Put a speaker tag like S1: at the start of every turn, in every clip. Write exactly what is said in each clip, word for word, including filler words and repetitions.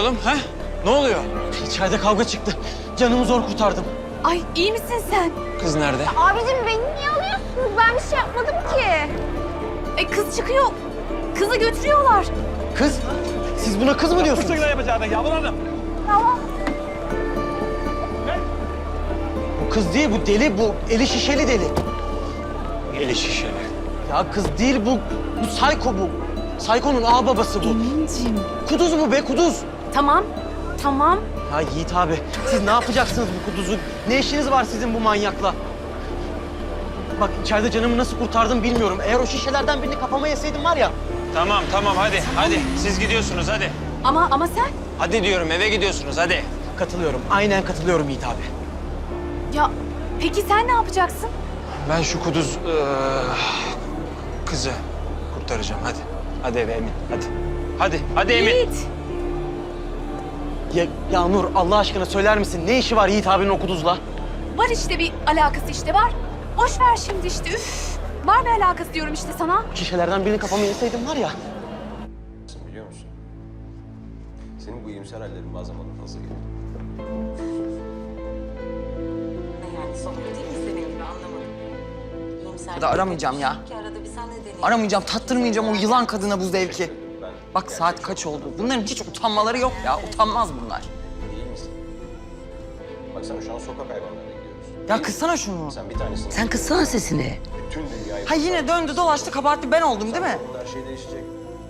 S1: oğlum ha? Ne oluyor?
S2: İçeride kavga çıktı. Canımı zor kurtardım.
S3: Ay iyi misin sen?
S1: Kız nerede?
S4: Abicim beni niye alıyorsunuz? Ben bir şey yapmadım ki.
S3: E kız çıkıyor. Kızı götürüyorlar.
S2: Kız? Siz buna kız mı diyorsunuz?
S4: Tamam.
S2: Bu kız değil, bu deli, bu eli şişeli deli.
S1: Eli şişeli.
S2: Ya kız değil bu, bu Sayko bu. Sayko'nun ağ babası bu.
S3: Emin'cim.
S2: Kuduz bu be, kuduz.
S3: Tamam, tamam.
S2: Ya Yiğit abi, siz ne yapacaksınız bu kuduzu? Ne işiniz var sizin bu manyakla? Bak içeride canımı nasıl kurtardım bilmiyorum. Eğer o şişelerden birini kafama yeseydim var ya...
S1: Tamam tamam hadi hadi siz gidiyorsunuz hadi.
S3: Ama ama sen?
S1: Hadi diyorum eve gidiyorsunuz hadi.
S2: Katılıyorum, aynen katılıyorum Yiğit abi.
S3: Ya peki sen ne yapacaksın?
S1: Ben şu kuduz eee, kızı kurtaracağım hadi. Hadi eve Emin hadi. Hadi hadi Emin.
S3: Yiğit.
S2: Ya, ya Nur Allah aşkına söyler misin? Ne işi var Yiğit abinin o kuduzla?
S3: Var işte bir alakası işte var. Boş ver şimdi işte üf. Var bir alakası diyorum işte sana.
S2: Şişelerden birini kafama yeseydim var ya...
S5: Biliyor musun? Senin bu iyimser hallerin bazen bana fazla geliyor.
S6: Yani sohbet değil mi senin gibi anlamadım. İyimser
S7: Ya da aramayacağım ya.
S6: ki arada bir sen de deneyelim.
S7: Aramayacağım, tattırmayacağım o yılan kadına bu zevki. Bak saat kaç oldu. Bunların hiç utanmaları yok ya. Utanmaz bunlar.
S5: İyi misin? Baksana şu an sokak hayvanlarına gidiyoruz.
S7: Ya kıssana şunu.
S5: Sen bir tanesini...
S6: Sen kıssana sesini.
S5: Bütün dünyayı...
S7: Ha yine döndü dolaştı kabahatli ben oldum değil mi?
S5: Her şey değişecek.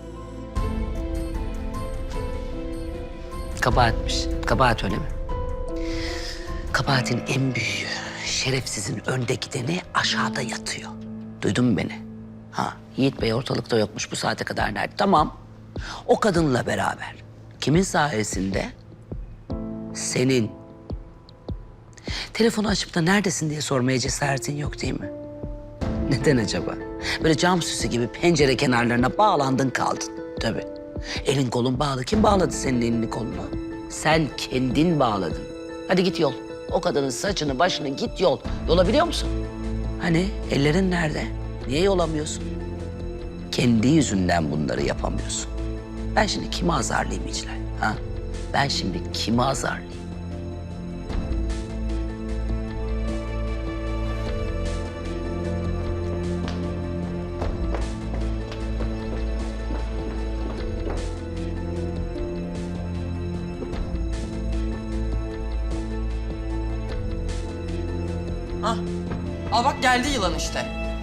S6: Kabahatmiş. Kabahat öyle mi? Kabahatin en büyüğü, şerefsizin önde gideni aşağıda yatıyor. Duydun mu beni? Ha, Yiğit Bey ortalıkta yokmuş bu saate kadar nerede? Tamam. O kadınla beraber. Kimin sayesinde? Senin. Telefonu açıp da neredesin diye sormaya cesaretin yok değil mi? Neden acaba? Böyle cam süsü gibi pencere kenarlarına bağlandın kaldın. Tabii. Elin kolun bağlı. Kim bağladı senin elini kolunu? Sen kendin bağladın. Hadi git yol. O kadının saçını başını git yol. Yolabiliyor musun? Hani ellerin nerede? Niye yolamıyorsun? Kendi yüzünden bunları yapamıyorsun. Ben şimdi kimi azarlayayım İclal? Ha? Ben şimdi kimi azarlayayım?
S7: Hah. Al bak geldi yılan işte.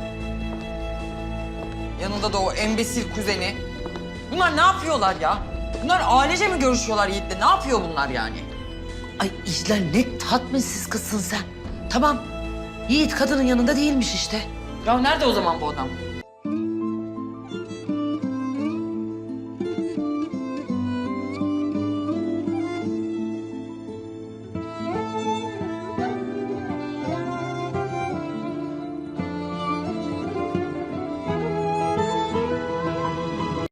S7: Yanında da o embesil kuzeni. Bunlar ne yapıyorlar ya? Bunlar ailece mi görüşüyorlar Yiğit'le? Ne yapıyor bunlar yani?
S6: Ay İclal ne tatminsiz kızsın sen. Tamam. Yiğit kadının yanında değilmiş işte.
S7: Ya nerede o zaman bu adam?